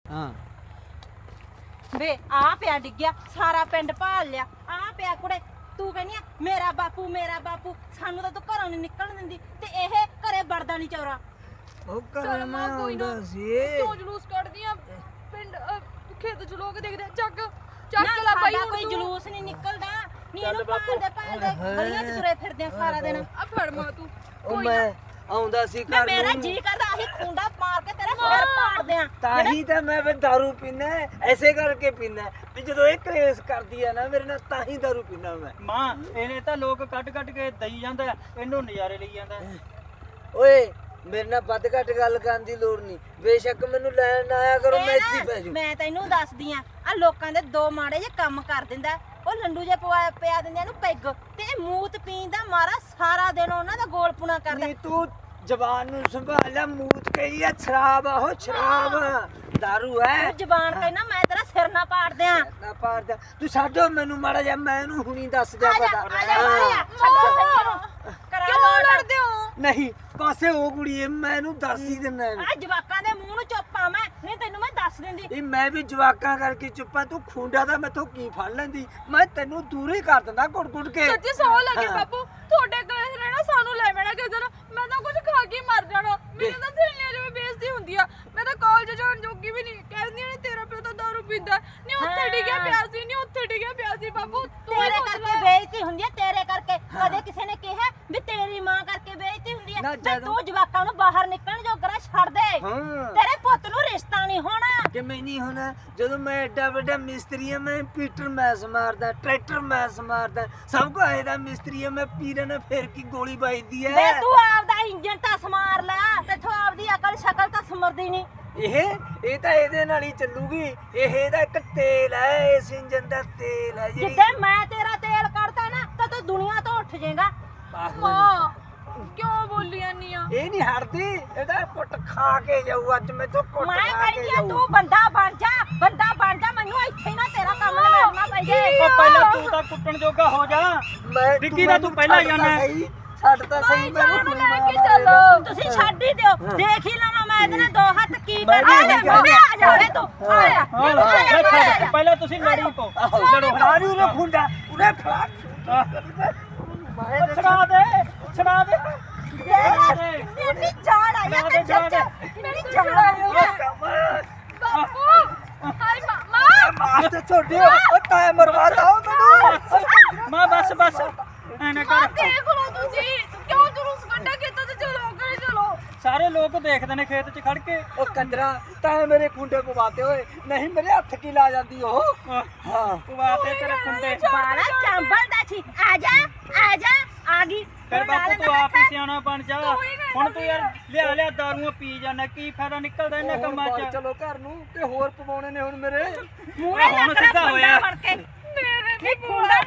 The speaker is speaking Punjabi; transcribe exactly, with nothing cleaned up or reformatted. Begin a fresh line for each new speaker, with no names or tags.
ਹਾਂ
ਵੇ ਆ ਪਿਆ ਡਿੱਗਿਆ ਸਾਰਾ ਪਿੰਡ ਭਾਲ ਲਿਆ ਆ ਪਿਆ ਕੁੜੇ ਤੂੰ ਕਹਿੰਦੀ ਆ ਮੇਰਾ ਬਾਪੂ ਮੇਰਾ ਬਾਪੂ ਸਾਨੂੰ ਤਾਂ ਤੂੰ ਘਰੋਂ ਨਹੀਂ ਨਿਕਲਣ ਦਿੰਦੀ ਤੇ ਇਹ ਘਰੇ ਵੜਦਾ ਨਹੀਂ ਚੌਰਾ
ਉਹ ਘਰੇ ਮੈਂ ਆਉਂਦਾ ਸੀ
ਕਿਉਂ ਜਲੂਸ ਕੱਢਦੀਆਂ ਪਿੰਡ ਅਹ, ਖੇਤ ਚ ਲੋਕ ਦੇਖਦੇ ਆ, ਚੱਕ
ਨਾ
ਚੱਕ ਲੈ ਬਾਈ
ਸਾਡਾ
ਹੁਣ
ਕੋਈ
ਤੂੰ
ਜਲੂਸ ਨਹੀਂ ਨਿਕਲਦਾ ਨੀ ਇਹਨੂੰ ਭਾਲਦੇ ਭਾਲਦੇ ਗਲੀਆਂ 'ਚ ਤੁਰੇ ਫਿਰਦੇ ਆ ਸਾਰਾ ਦਿਨ
ਆ ਫੜ ਮਾਂ ਤੂੰ
ਉਹ ਮੈਂ ਆਉਂਦਾ ਸੀ
ਮੈਂ
ਘਰ
ਮੇਰਾ
ਨੂੰ
ਜੀ ਕਰਦਾ ਆਹੀ ਖੁੰਡਾ ਮਾਰ ਕੇ ਤੇਰਾ ਸਿਰ ਪਾੜਦੇ ਆ
ਤਾਂ ਹੀ ਤਾਂ ਮੈਂ ਫਿਰ ਦਾਰੂ ਪੀਣਾ ਐਸੇ ਕਰਕੇ ਪੀਣਾ ਵੀ ਜਦੋਂ ਇਹ ਕਲੇਸ਼ ਕਰਦੀ ਆ ਨਾ ਮੇਰੇ ਨਾਲ ਤਾਂ ਹੀ ਦਾਰੂ ਪੀਣਾ ਮੈਂ
ਮਾਂ ਇਹਨੇ ਤਾਂ ਲੋਕ ਕੱਢ ਕੱਢ ਕੇ ਦਈ ਜਾਂਦਾ ਇਹਨੂੰ ਨਜ਼ਾਰੇ ਲਈ ਜਾਂਦਾ
ਓਏ ਮੇਰੇ ਨਾਲ ਵੱਧ ਘੱਟ ਗੱਲ ਕਰਨ ਦੀ ਲੋੜ ਨਹੀਂ ਬੇਸ਼ੱਕ ਮੈਨੂੰ ਲੈਣ ਆਇਆ ਕਰੋ ਮੈਂ ਇੱਥੇ ਹੀ ਪੈ ਜੂ
ਮੈਂ ਤੈਨੂੰ ਦੱਸਦੀ ਆ ਆ ਲੋਕਾਂ ਦੇ ਦੋ ਮਾੜੇ ਜੇ ਕੰਮ ਕਰ ਦਿੰਦਾ ਉਹ ਲੰਡੂ ਜੇ ਪਵਾ ਪਿਆ ਦਿੰਦੇ ਇਹਨੂੰ ਪੈਗ ਤੇ ਇਹ ਮੂਤ ਪੀਣ ਦਾ ਮਾਰਾ ਸਾਰਾ ਦਿਨ ਉਹਨਾਂ ਦਾ ਗੋਲਪੁਣਾ ਕਰਦਾ
ਨਹੀਂ ਤੂੰ ਜ਼ਬਾਨ ਨੂੰ ਸੰਭਾਲ ਲੈ ਮੂਤ ਕਹੀ ਆ ਸ਼ਰਾਬ ਆ ਉਹ ਸ਼ਰਾਬ ਦਾਰੂ ਹੈ
ਤੂੰ ਜ਼ਬਾਨ ਕਹਿਣਾ ਮੈਂ ਤੇਰਾ ਸਿਰ ਨਾ ਪਾੜ ਦਿਆਂ
ਨਾ ਪਾਰਦਾ ਤੂੰ ਛੱਡੋ ਮੈਨੂੰ ਮਾੜਾ ਜਿਹਾ ਮੈਂ ਇਹਨੂੰ ਹੁਣੀ ਦੱਸ ਦਿਆ
ਆ ਜਾ
ਪਤਾ
ਆ ਜਾ ਮਾਰਿਆ ਛੱਡੋ ਸਹੀ ਕਰਾ
ਕਿਉਂ
ਲੋਟ
ਲੜਦੇ ਹੋ
ਨਹੀਂ ਪਾਸੇ ਉਹ ਕੁੜੀ ਮੈਂ ਇਹਨੂੰ ਦੱਸ ਹੀ ਦਿੰਦਾ
ਆ ਜਵਾਕਾਂ ਦੇ ਮੂੰਹ ਨੂੰ ਚੁੱਪਾਂ ਮੈਂ ਨਹੀਂ ਤੈਨੂੰ ਮੈਂ ਦੱਸ ਦਿੰਦੀ
ਇਹ ਮੈਂ ਵੀ ਜਵਾਕਾਂ ਕਰਕੇ ਚੁੱਪਾ ਤੂੰ ਖੁੰਡਾ ਦਾ ਮੈਥੋਂ ਕੀ ਫੜ ਲੈਂਦੀ ਮੈਂ ਤੈਨੂੰ ਦੂਰ ਹੀ ਕਰ ਦਿੰਦਾ ਕੁੱਟ ਕੁੱਟ ਕੇ
ਸੱਚੀ ਸੌ ਲੱਗੇ
ਹਾਂ।
ਬਾਪੂ ਤੁਹਾਡੇ ਕਲੇਸ਼ ਰਹਿਣਾ ਸਾਨੂੰ ਲੈ ਮੈਣਾ ਕਿਸੇ ਦਿਨ ਮੈਂ ਤਾਂ ਕੁਝ ਖਾ ਕੇ ਹੀ ਮਰ ਜਾਣਾ ਮੈਨੂੰ ਤਾਂ ਸਹੇਲੀਆਂ ਜਿਵੇਂ ਬੇਇੱਜ਼ਤੀ ਹੁੰਦੀ ਆ ਮੈਂ ਤਾਂ ਕਾਲਜ ਜਾਣ ਜੋਗੀ ਵੀ ਨਹੀਂ ਕਹਿੰਦੀਆਂ ਨੇ ਤੇਰਾ ਪਿਓ ਤਾਂ ਦਾਰੂ ਪੀਂਦਾ ਨਹੀਂ ਉੱਥੇ ਡਿੱਗਿਆ ਪਿਆ ਸੀ ਨਹੀਂ ਉੱਥੇ ਡਿੱਗਿਆ ਪਿਆ ਸੀ ਬਾਪੂ ਤੂੰ ਹੀ
ਤੇਰੇ
ਪੁੱਛ
ਕਰਕੇ
ਲੈ।
ਬੇਇੱਜ਼ਤੀ ਹੁੰਦੀ ਹੈ ਤੇਰੇ ਕਰਕੇ ਕਦੇ ਕਿਸੇ ਨੇ ਕਿਹਾ ਵੀ ਤੇਰੀ ਮਾਂ ਕਰਕੇ ਬੇਇੱਜ਼ਤੀ ਹੁੰਦੀ ਹੈ
ਨਾ
ਤੇ
ਜਦੋਂ-
ਤੂੰ ਜਵਾਕਾਂ ਨੂੰ ਬਾਹਰ ਨਿਕਲਣ ਜੋਗਰਾ ਛੱਡ ਦੇ
ਹਾਂ
ਤੇਰੇ ਪੁੱਤ ਨੂੰ ਰਿਸ਼ਤਾ ਨਹੀਂ ਹੋਣਾ
ਕਿ ਮੈਂ ਨਹੀਂ ਹੋਣਾ ਜਦੋਂ ਮੈਂ ਐਡਾ ਵੱਡਾ ਮਿਸਤਰੀ ਆ ਮੈਂ ਪੀਟਰ ਮੈਸ ਮਾਰਦਾ ਟਰੈਕਟਰ ਮੈਸ ਮਾਰਦਾ ਸਭ ਕੋ ਆਏਦਾ ਮਿਸਤਰੀ ਆ ਮੈਂ ਪੀਰਾਂ ਨੇ ਫੇਰ ਕੀ ਗੋਲੀ ਵੱਜਦੀ
ਵੇ
ਐ
ਤੂੰ ਆਪਦਾ ਇੰਜਨ ਤਾਂ ਸਮਾਰ ਲੈ ਤੇਥੋਂ ਆਪਦੀ ਅਕਲ ਸ਼ਕਲ ਤਾਂ ਸਮਰਦੀ ਨਹੀਂ
ਇਹ ਇਹ ਤਾਂ ਇਹਦੇ ਨਾਲ ਹੀ ਚੱਲੂਗੀ ਇਹ ਇਹਦਾ ਇੱਕ ਤੇਲ ਹੈ ਇਸ ਇੰਜਨ ਦਾ ਤੇਲ ਹੈ ਜੀ
ਜਿੱਦਾਂ ਮੈਂ ਤੇਰਾ ਤੇਲ ਕੱਢਦਾ ਨਾ ਤਾਂ ਤੂੰ ਦੁਨੀਆ ਤੋਂ ਉੱਠ ਜਾਏਗਾ
ਮਾਂ ਕਿਉਂ ਬੋਲੀ ਜਾਂਦੀ ਆ
ਇਹ ਨਹੀਂ ਹਟਦੀ ਇਹਦਾ ਕੁੱਟ ਖਾ ਕੇ ਜਾਊ ਅੱਜ ਮੈਂ ਤੋਂ ਕੁੱਟ
ਮੈਂ
ਖਾ ਕੇ
ਕਹਿੰਦੀ ਆ
ਜਾਊ
ਤੂੰ ਬੰਦਾ ਬਣ ਜਾ ਬੰਦਾ ਬਣ ਜਾ ਮੈਨੂੰ ਇੱਥੇ ਹੀ ਨਾ ਤੇਰਾ ਕੰਮ ਨਿਬੇੜਨਾ ਪੈ ਜੇ
ਉਹ ਪਹਿਲਾਂ ਤੂੰ ਤਾਂ ਕੁੱਟਣ ਜੋਗਾ ਹੋ ਜਾ
ਮੈਂ
ਵਿੱਕੀ ਦਾ ਤੂੰ ਪਹਿਲਾਂ
ਛੱਡ ਤਾਂ
ਜਾਣਾ।
ਸਹੀ, ਛੱਡ ਤਾਂ ਸਹੀ ਮੈਨੂੰ
ਜਾਣ
ਕੋਈ
ਲੈ ਕੇ
ਮਾਰ
ਚੱਲੋ।
ਤੁਸੀਂ ਛੱਡ ਹੀ ਦਿਓ ਦੇਖ ਹੀ ਲਵਾਂ ਮੈਂ ਇਹਦੇ ਨਾਲ ਦੋ ਹੱਥ ਕੀ
ਮੈਂ
ਕਰਦਾ
ਵੀ
ਆ
ਇਹੀ
ਜਾ
ਕਹਿੰਦਾ।
ਆ ਜਾ ਵੇ ਤੂੰ ਆ ਜਾ
ਹਾਂ
ਆ ਜਾ,
ਲੈ
ਆ
ਛੱਡ,
ਜਾ।
ਪਹਿਲਾਂ ਤੁਸੀਂ ਲੜੀ ਪੋ ਲੜੋ
ਫੜਾ ਨੂੰ ਉਹ ਖੁੰਡਾ ਉਹਨੇ ਫੜਾ
ਉਹ ਛੜਾ ਦੇ ਛੜਾ ਦੇ ਛੜਾ ਦੇ
ਇੰਨੀ ਜਾੜ ਆਈ ਆ ਤੇ
ਛੜਾ ਦੇ।
ਇੰਨੀ ਜਾੜ ਆਈ ਆ
ਬਾਪੂ ਹਾਏ ਮਾਂ ਮਾਂ
ਮਾਰ ਤੇ ਛੋਡੇ ਉਹ ਤਾਂ ਮਰਵਾਤਾ ਉਹ ਮੈਨੂੰ
ਮਾਂ ਬਸ ਬਸ ਐਨੇ
ਮਾਂ
ਕਰ
ਦੇਖ ਲਓ ਤੁਸੀਂ ਕਿਉਂ ਜਲੂਸ ਕੱਢਿਆ ਖੇਤਾਂ ਤੇ ਚਲੋ ਕਰੇ ਚਲੋ
ਸਾਰੇ ਲੋਕ ਦੇਖਦੇ ਨੇ ਖੇਤ 'ਚ ਖੜ ਕੇ
ਉਹ ਕੰਦਰਾ ਤਾਂ ਮੇਰੇ ਖੁੰਡੇ ਪਵਾਤੇ ਹੋਏ ਨਹੀਂ ਮੇਰੇ ਹੱਥ ਕੀ ਲਾ ਜਾਂਦੀ ਉਹ ਹਾਂ
ਪਵਾਤੇ ਤੇਰੇ ਖੁੰਡੇ
ਬਾਲਾ ਚੰਬਲਦਾ ਸੀ ਆ ਜਾ ਆ ਜਾ ਆ ਗਈ
ਫਿਰ ਬਾਪੂ ਤੂੰ ਆਪ ਹੀ ਸਿਆਣਾ ਬਣ ਜਾ ਹੁਣ ਤੂੰ ਯਾਰ ਲਿਆ ਲਿਆ ਦਾਰੂਆਂ ਪੀ ਜਾਂਦਾ ਕੀ ਫਾਇਦਾ ਨਿਕਲਦਾ ਇਹਨਾਂ ਕੰਮਾਂ 'ਚ
ਚਲੋ ਘਰ ਨੂੰ ਤੇ ਹੋਰ ਪਵਾਉਣੇ ਨੇ ਹੁਣ ਮੇਰੇ
ਮੂਹਰੇ
ਹੁਣ
ਲੱਗ ਰਿਹਾ
ਸਿੱਧਾ
ਖੁੰਡਾ
ਹੋਇਆ।
ਫੜ ਕੇ ਨਹੀਂ ਖੁੰਡਾ